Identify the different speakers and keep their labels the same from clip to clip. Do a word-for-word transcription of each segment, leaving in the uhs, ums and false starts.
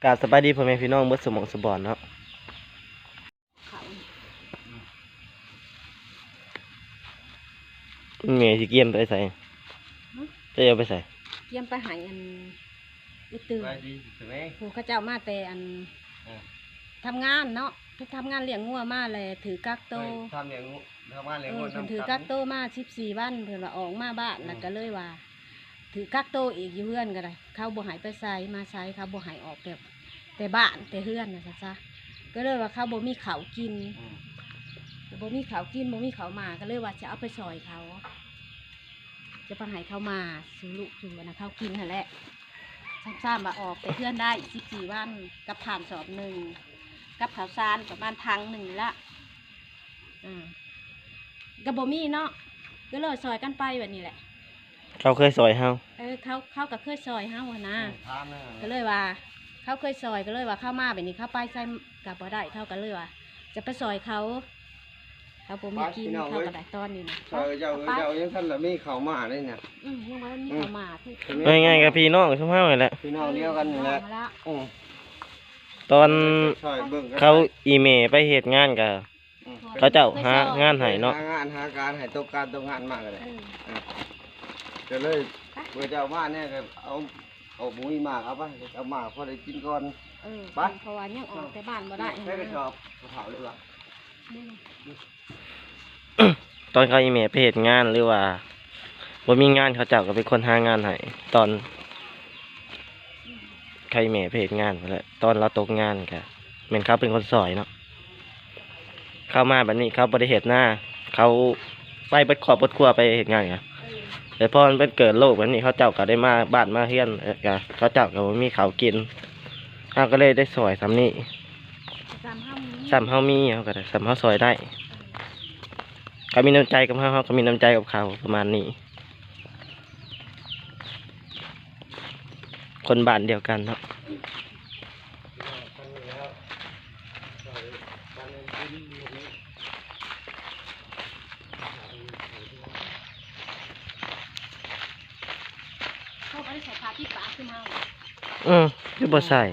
Speaker 1: กราบสบายดีพ่อแม่พี่น้องเมื่อสมองสบอนเนาะเมย์สิเกียมไปใส่จะเอาไปใส่
Speaker 2: เกียมไปหายอันอุตือผู้ข้าเจ้ามาแต่อันทำงานเนาะไปทำงานเลี้ยงงัวมาเลยถือกักโต
Speaker 3: ทำเลี้ยงทำงานเลี้ยงงัว
Speaker 2: ถือกักโตมาสิบสี่วันเพื่อนว่าออกมาบ้านแล้วก็เลยว่าถือกักโตอีกอยู่เพื่อนก็ได้เขาบ่หายไปใส่มาใส่เขาบ่หายออกแบบแต่บ้านแต่เพื่อนนะซะก็เลยว่าเขาบ่มีเขากินบ่มีเขากินบ่มีเขามาก็เลยว่าจะเอาไปซอยเขาจะไปหายเขามาสู่ลูกสู่นะเขากินนั่นแหละซ้ำๆมาออกแต่เพื่อนได้สิบสี่วันกับผ่านสอบหนึ่งกับข่าวสารประมาณพังหนึ่งละอ่ากับบ่มีเนาะก็เลยซอยกันไปแบบนี้แหละ
Speaker 1: เขาเคยซอยเฮา
Speaker 2: เออเขาเขากับเคยซอยเฮาหัวหน้าก็เลยว่าเขาเคยซอยก็เลยว่าเข้ามาแบบนี้เข้าไปใส่กับบ่ได้เท่ากันเลยว่าจะไปซอยเขาเขาบ่มีกินเขาก็ได้ตอนนี้นะ
Speaker 3: เออเจ้าเจ้ายังท่านละมีเขามาเลยเนี่ย
Speaker 2: อืมยังว่ามีเขามา
Speaker 1: ง่ายๆกับพี่น้องชุ่มเฮาเลยแหละ
Speaker 3: พี่น้องเดียวกันนี่แหละ
Speaker 1: ตอนเขาอีเมลไปเหตุงานกับเขาเจ้าหางานให้เนาะ
Speaker 3: หางานหาการให้ตกการตกงานมากเลยก็เลยเมื่อเจ้ามาเนี่ยก็เอาเอาหมูมากเอาไปเอามาพอได้กินก่อน
Speaker 2: ไปเพราะว่ายังออกแต่บ้านบ่ได้
Speaker 3: ใช่ก็ชอบเผาเลยว่ะ
Speaker 1: ตอนเขาอีเมลไปเหตุงานหรือว่าบ่มีงานเขาเจ้าก็เป็นคนหางานให้ตอนใครแม่เพจงานไปแล้วตอนเราตกงานค่ะเหมือนเขาเป็นคนสอยเนาะเข้ามาแบบนี้เขาบริเหตุหน้าเขาไปเปิดขอบเปิดครัวไปเหตุงานไงแต่พอมันเป็นเกิดโรคแบบนี้เขาเจ้าก็ได้มาบ้านมาเฮียนกันเขาเจ้าก็มีเขากินเขาก็เลยได้สอยซ้ำนี่ซ้ำเขามีเขาก็ได้ซ้ำเขาสอยได้เขามีน้ำใจกับเขาเขาก็มีน้ำใจกับเขาประมาณนี้คนบ้านเดียวกันเนาะ
Speaker 2: เขาไม่ได้ใส่ผ้าที่ปากขึ้นมา
Speaker 1: อืมคือบ่ใส่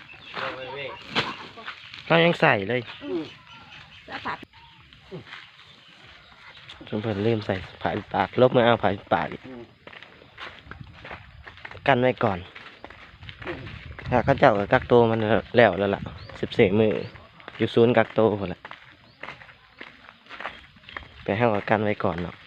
Speaker 1: เขายังใส่เลยจนเพิ่นเริ่มใส่ผ้าปากลบมาเอาผ้าปากกันไว้ก่อนถ้าเขาเจ้ากักโตมันแล้วแล้วล่ะสิบสี่มืออยู่ศูนย์กักโตหมดละไปให้กับกันไว้ก่อนเนาะ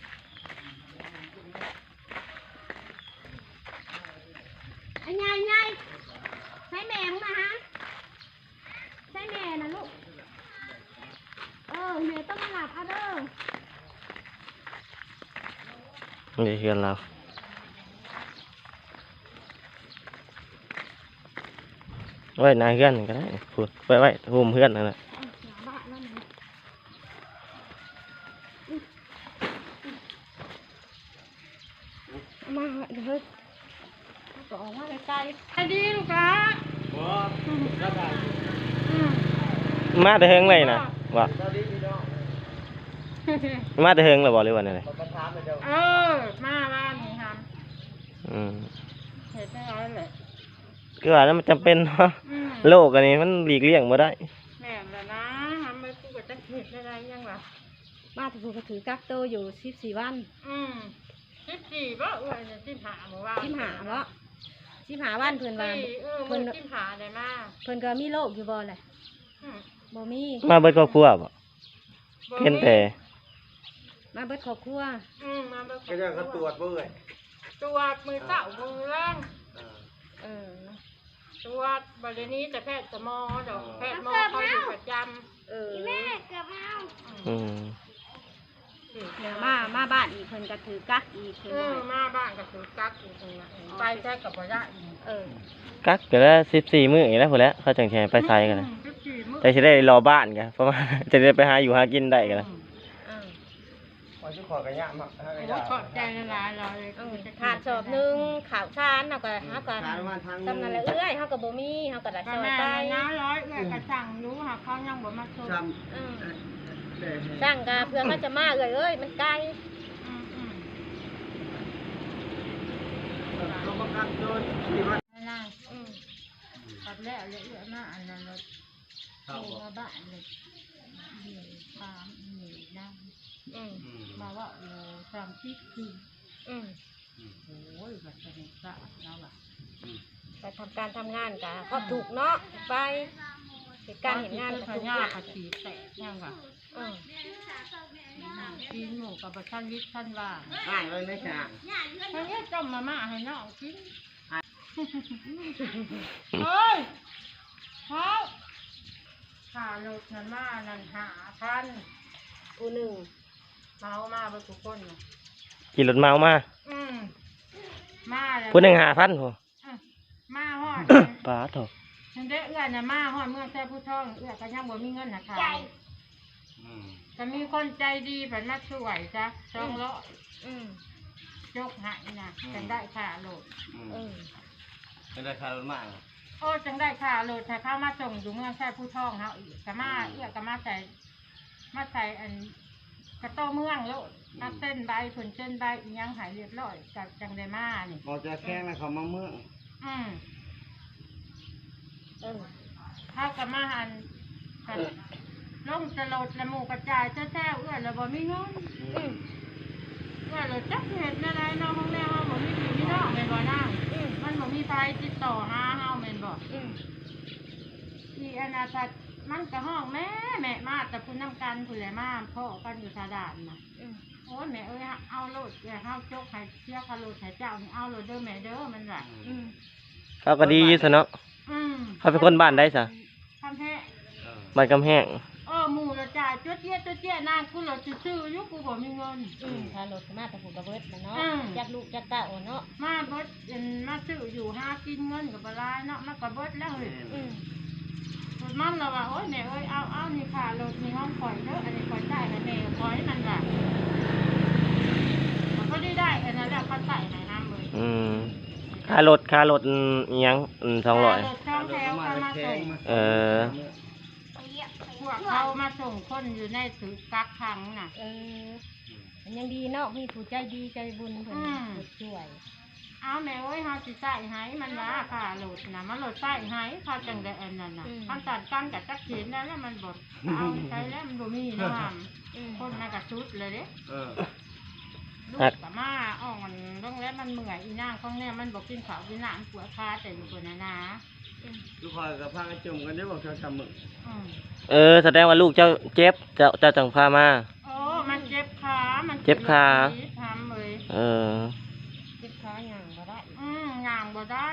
Speaker 2: ไอ้ยายยายใช้แม่มาฮะใช้แม่นะลูกเออแม่ต้องมาหลับอ่ะเด้
Speaker 1: อนี่เฮือนเราไว้นาเพื่อนก็ได้พูดไว้ไว้หุ่มเพื่อนนั่นแหละ
Speaker 2: มาเฮ้ยก็ออกมาไกลๆไปดีลูกค้า
Speaker 1: มาแต่เฮงเลยนะว่ามาแต่เฮงเลยบอกเลยวันอะไร
Speaker 2: เออมาบ้านนี่ครับ
Speaker 1: อืม
Speaker 2: เห็นได้ร้อยเลย
Speaker 1: คือว่านั้นมันจำเป็นเนาะโลกอันนี้มันหลีกเลี่ยงมาได้
Speaker 2: แม่แล้วนะทำไปกูก็จะเห็นอะไรยังวะมาถึงกูก็ถือกักโตอยู่สิบสี่วันอืมสิบสี่ป่ะเออสิบห้าหมู่บ้านสิบห้าเนาะสิบห้าวันเพิ่นว่าเพิ่นสิบห้าได้มาเพิ่นก็มีโรคอยู่บ่แหละบ่มี
Speaker 1: มาเบิดครอบครัวบ่เห็นแต่
Speaker 2: มาเบิดครอบครัวอืมมาเบิด
Speaker 3: ก็จะเขาตรวจบ่เอ่ย
Speaker 2: ตรวจมือเจ้ามือแรงเออตรวจบริเวณนี้แต่แพทย์จะมอดอกแพทย์มอเขาอยู่ประจำเออแม่เกือบเอาอืมมามาบ้านอีกเพิ่นก็ถือกักอีกเพิ่นมาบ้านก็ถือกักอีกเพิ่นไปแค่กับบ่ได้เออ
Speaker 1: กักแต่ละสิบสี่มื้ออีกแล้วพุ่นแหละเขาจังแชร์ไปใส่กันนะแต่สิได้รอบ้านกันเพราะว่าจะได้ไปหาอยู่หากินได้กันนะ
Speaker 3: ขอชุดขอกระยะมา
Speaker 2: ขอบใจละลายเลยขาดสอบนึงข่าวชานเฮาก็เฮาก็ตำนั่นแหละเอื้อยเฮาก็บ่มีเฮาก็ได้ซอยไปน้าร้อยเอื้อยก็สั่งรู้หาเขายังบ่มาส่งสั่งก็เพื่อเขาจะมาเอื้อยเอ้ยมันไกล
Speaker 4: ตัดแล้วเลยเอื้อมาอันนั้นเลยโท
Speaker 3: เข้าร บ่
Speaker 4: มาบ้านเลยเดี๋ยวตามหนีนั่ง
Speaker 2: อืม
Speaker 3: อืม
Speaker 4: มาว่าโอ้สามสิบคือ
Speaker 2: อืม
Speaker 3: อืม
Speaker 4: โอ้ยแบบสนุกสะแล้วล่ะ
Speaker 3: อืม
Speaker 2: ไปทำการทำงานกะก็ถูกเนาะไปเหตุการณ์เห็นงาน
Speaker 4: ก็
Speaker 2: ก็
Speaker 4: ถู
Speaker 2: ถู
Speaker 4: ก
Speaker 2: ก
Speaker 4: ยา
Speaker 2: ละ
Speaker 4: กสีแตกยังว่ะ
Speaker 2: อืม
Speaker 4: กินหมูกับท่านวิทย์ท่านว่า
Speaker 3: อ่านเลยนะจ๊ะ
Speaker 4: ท่านนี้ต้มมาม่าให้น้องกินเฮ้ยเขาข่ารถนั่นมานั่นหาพัน
Speaker 2: กูหนึ่ง
Speaker 4: เมามาเบ่ทุกคนน่ะ
Speaker 1: ขี่รถเมามา
Speaker 4: อืมมาแล้ว
Speaker 1: ผู้หนึ่งหาพันโห
Speaker 4: อืมมาฮอด
Speaker 1: ป้าโถ
Speaker 4: ฉันได้เอื้อน่ะมาฮอดเมื่อแซ่ผู้ท่องเอื้อก็ยังบ่มีเงินน่ะค่ะ
Speaker 3: อืม
Speaker 4: ก็มีคนใจดีแบบมาช่วยจ้ะสองร้อย
Speaker 2: อืม
Speaker 4: ยกให้น่ะจังได้ค่าโหลด
Speaker 3: อืม
Speaker 2: เออ
Speaker 3: เป็นได้ค่ารถมาก
Speaker 4: โอ้จังได้ค่าโหลดถ้าเข้ามาส่งอยู่เมืองแซ่ผู้ท่องเฮาอีกก็มาเอื้อก็มาใส่มาใส่อันกระโต้เมืองโลดมาเส้นใบผลเส้นใบอีหยังหายเรียบร้อยก็จังได้มานี่
Speaker 3: บอกจะแข้งนะเขามาเมือง
Speaker 4: อืม
Speaker 2: เออ
Speaker 4: เข้ากับมาหันกันลงจะโหลดละหมู่กระจายแท้ๆเอื้อแล้วบ่มีเงิน
Speaker 2: อืม
Speaker 4: เอื้อแล้วจักเฮ็ดแนวใดเนาะห้องแรกเฮาบ่มีพี่มีน้องแม่นบ่นาง
Speaker 2: อืม
Speaker 4: มันบ่มีไฟติดต่อหาเฮาแม่นบ่
Speaker 2: อืม
Speaker 4: อีอนาถมันก็ห้องแม่แม่มาแต่พุ่นน้ำกันพุ่นแหละมาพ่อกันอยู่ทาดานน่ะ
Speaker 2: อืม
Speaker 4: โอ้ยแม่เอ้ยเอาโลดอย่าเฮาจกให้เสียค่าโลดให้เจ้านี่เอาโลดเด้อแม่เด้อมันว่า
Speaker 2: อืม
Speaker 1: เขาก็ดีอยู่ซะเนาะ
Speaker 4: อืม
Speaker 1: เขาเป็นคนบ้านได้ซะ
Speaker 4: ทำแท้
Speaker 3: เออ
Speaker 1: บ้านกำแพง
Speaker 4: เออหมู่ละจ่ายจั๊วเจี๊ยจั๊วเจี๊ยนางกูโลดซื่อๆอยู่กูบ่มีเงิน
Speaker 2: อืมถ้ารถมาแต่ผมกระเบิดนะเนาะ
Speaker 4: อืม
Speaker 2: จักลูกจักเต้าเนาะ
Speaker 4: มาเบิดเอ็นมาซื้ออยู่หากินเงินกับบหลายเนาะมาก็เบิดแล้วเฮ้ย
Speaker 2: อืม
Speaker 4: รถมันเราว่าโอ้ยแม่เอ้ยเอาเอานี่ค่ะรถนี่ห้องข่อยเด้ออันนี้ข่อยจ่ายให้แม่ข่อยมันว่ามันก็ได้ได้อันนั้นแหละเขาใส่ให้น้ำเลย
Speaker 1: อืมค่ารถค่ารถอิหยังอืมสองร้อย
Speaker 4: รถช่องแถวเขามาส่ง
Speaker 1: เออ
Speaker 4: พวกเขามาส่งคนอยู่ในถือกักขังน่ะ
Speaker 2: เออมันยังดีเนาะมีผู้ใจดีใจบุญเพิ่น
Speaker 4: อืม
Speaker 2: ช่วย
Speaker 4: เอาแม่เอ้ยเฮาสิใส่ให้มันว่าค่ะรถน่ะมันรถใส่ให้เขาจังได้อันนั้นน่ะคันตัดกันกับจักเขียนแล้วแล้วมันบ่เอาใช้แล้วมันบ่มีเนาะ
Speaker 2: อืม
Speaker 4: คนน่ะก็ชุดเลยเด้
Speaker 3: เออ
Speaker 4: ลูกกับมาอ่อนต้องแล้วมันเมื่อยอีนางของเนี่ยมันบอกกินข้าวกินน้ำปวดขาแต่อยู่คนนะนะ
Speaker 3: ทุกคนกับพากันจุ่มกันได้บอกเขาทำมึง
Speaker 4: อืม
Speaker 1: เออแสดงว่าลูกเจ้าเจ็บเจ้าเจ้าจังพามา
Speaker 4: โอ้มันเจ็บขามัน
Speaker 1: เจ็บขา
Speaker 4: ทำเลย
Speaker 1: เออ
Speaker 2: เจ็บขาหยังบ่ได้
Speaker 4: อืมย่างบ่ได้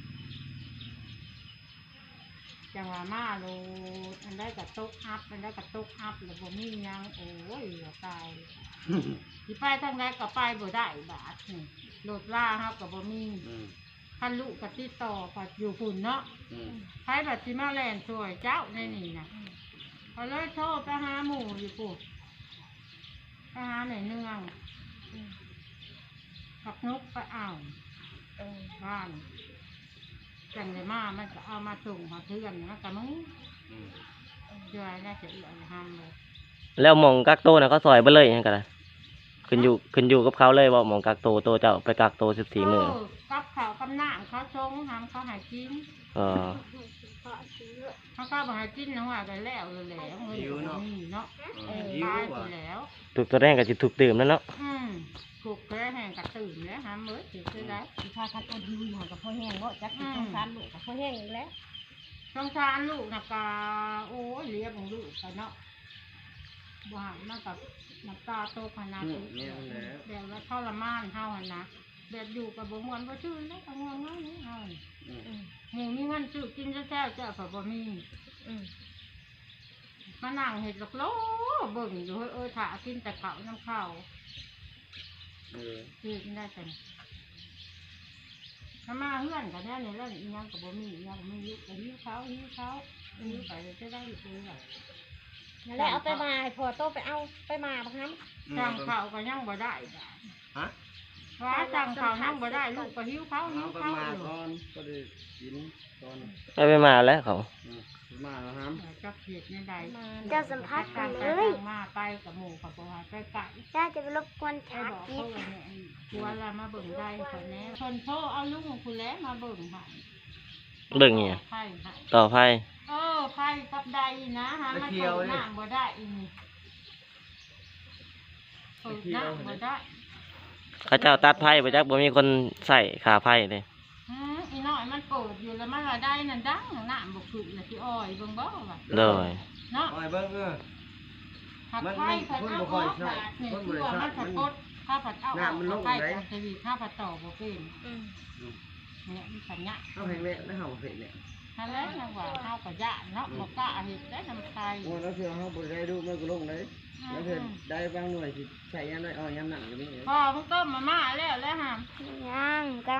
Speaker 4: จังหวะมาโลมันได้กับตุกอัพมันได้กับตุกอัพแล้วบ่มีหยังโอ้ยเหลือตายสิไปทางใดก็ไปบ่ได้บาดนี่โหลดล่าเฮาก็บ่มี
Speaker 3: อืม
Speaker 4: คันลูกก็ติดต่อก็อยู่ฝุ่นเนาะ
Speaker 3: อืม
Speaker 4: ใครบัดสิมาแล่นช่วยเจ้าในนี่นะเขาเลยโทรไปหาหมู่อยู่ปุ๊บไปหาไหนเนือง
Speaker 2: อืม
Speaker 4: ปักนกไปเอา
Speaker 2: เออ
Speaker 4: บ้านจังเลยมามันก็เอามาส่งมาเพื่อนนะกับมึง
Speaker 3: อืม
Speaker 4: เดี๋ยวน่าจะเอื่อยห้ามเลย
Speaker 1: แล้วหมองกักโตน่ะเขาซอยเบ่เลยหยังกันล่ะขึ้นอยู่ขึ้นอยู่กับเขาเลยว่าหมองกักโตโตเจ้าไปกักโตสิบสี่มื้อ
Speaker 4: เกับเขาวกับน้ำเขาชงทำเขาใหายกิน
Speaker 1: เออ
Speaker 4: เขาก็บอกให้กินนะว่ากันแล้วเลยแหล้วเงินก็บ่มีเนาะ
Speaker 3: เออ
Speaker 4: ตา
Speaker 3: หิวย
Speaker 4: ไป
Speaker 3: ว่ะ
Speaker 4: แล้ว
Speaker 1: ถูกตัวแรกก็สิถูกดื่มแล้วเนาะ
Speaker 4: อืมถูกแพ้แห้งกระตื่นแล้วหาเมื่อถือได้
Speaker 2: สิพาคันอดหิวอยู่กับพ่อแห้งเนาะจักสิสงสารลูกกับพ่อแห้งอีกแล้ว
Speaker 4: สงสารลูกนะกาโอ้ยเลี้ยงของลูกกันเนาะบ้านมากับน้ำตาโตขนาด
Speaker 3: อืม
Speaker 4: นี้
Speaker 3: เนี่ยมันแล้ว
Speaker 4: แบบว่าทรมานเฮาหันนะแบบอยู่กับบงวันบ่ชื่นแล้วก็งวงเงาเฮา
Speaker 3: อืม
Speaker 2: อืม
Speaker 4: หมูมีเงินซื้อกินแท้ๆเจ้าก็บ่มี
Speaker 2: อืม
Speaker 4: มานั่งเห็ดหลอกโลเบิ่งอยู่เฮ้ยเอ้ยถ้ากินแต่ข้าวน้ำข้าว
Speaker 3: เออ
Speaker 4: กินได้แต่ถ้ามาเฮือนกันแน่นี่แล้วอีหยังก็บ่มีอีหยังก็ไม่รู้ก็หิวเขาหิวเขาหิวไปจะได้ลูกเลยล่ะ
Speaker 2: นั่นแหละเอาไปมาให้พ่อโตไปเอาไปมาบักน้ำ
Speaker 4: สั่งข้าวก็ยังบ่ได้จ้ะ
Speaker 3: ฮะ
Speaker 4: ว่าสั่งข้าวยังบ่ได้ลูกก็หิวเขาหิ
Speaker 3: เอา
Speaker 4: ว
Speaker 3: ไป
Speaker 4: เขา
Speaker 3: มา
Speaker 4: อยู่
Speaker 3: ก่อนก็ได้กินก่อน
Speaker 1: ได้ไปมาแล้วเขา
Speaker 3: อืมไปมาแล้วครับ
Speaker 4: จะเขียดในใด
Speaker 5: เจ้าสัมภาษณ์กันเลย
Speaker 4: มาไปกับหมู่กับบ่ว่าไปไก่
Speaker 5: จ้าจะไปรบกวน
Speaker 4: ไป
Speaker 5: ถาม
Speaker 4: บอก
Speaker 5: อี
Speaker 4: เขา
Speaker 5: ก
Speaker 4: ว่าเนี่ยกลัวละมาเบิ่งได้คนแน่คนโทรเอาลุงคุณแล้วมาเบิ่งให้
Speaker 1: เรื่องเงี้ย
Speaker 4: ไผ่ฮะ
Speaker 1: ต่อไพ่
Speaker 4: เออไผ่กับใดนะฮะมันเปิดน้ำบ่ได้อีนี่เปิดน้ำบ่ได้
Speaker 1: เขาเจ้าตัดไพ่ไปจักบ่มีคนใส่ขาไพ่เลย
Speaker 4: อืมอีน้อยมันเปิดอยู่แล้วมันว่าได้นั่นดังน้ำบ่ขึ้นแล้วสิอ้อยเบิ่งบ่ว่า
Speaker 1: เลย
Speaker 4: เนาะ
Speaker 3: โอ้ยเบิ่งเออ
Speaker 4: หัก
Speaker 3: มัน
Speaker 4: ไผ่
Speaker 3: มัน
Speaker 4: ผัด
Speaker 3: คน
Speaker 4: เอา
Speaker 3: บ่ค่
Speaker 4: อ
Speaker 3: อย
Speaker 4: อก
Speaker 3: ใช้
Speaker 4: บาดนี่
Speaker 3: คนบ่
Speaker 4: คือ
Speaker 3: ได้
Speaker 4: ว่า
Speaker 3: ใช้
Speaker 4: มันผัด
Speaker 3: มัน
Speaker 4: กดข้าวผัดเอาออก
Speaker 3: น้ำมันลง
Speaker 4: ไผ่
Speaker 3: ไหน
Speaker 4: ผัดชีวิตข้าวผัดต่อบ่เป็น
Speaker 2: อืม
Speaker 4: เนี่ยมันสัญญา
Speaker 3: เอาแห้งแล้วแล้วเฮาเฮ็ดเนี่ย
Speaker 4: ฮันแล้วนะว่าข้าวกับยะเนาะบ่กล้าเฮ็ดได้น้ำไทย
Speaker 3: โอ้แล้วคือเฮาบ่ได้ดูมันก็ลงเลยแล้วคือได้บางหน่วยสิใช้ยามได้เอายามหนักอยู่นี่
Speaker 4: พอมึงต้มมาม่าแล้วแล้วหาม
Speaker 5: ยังกำ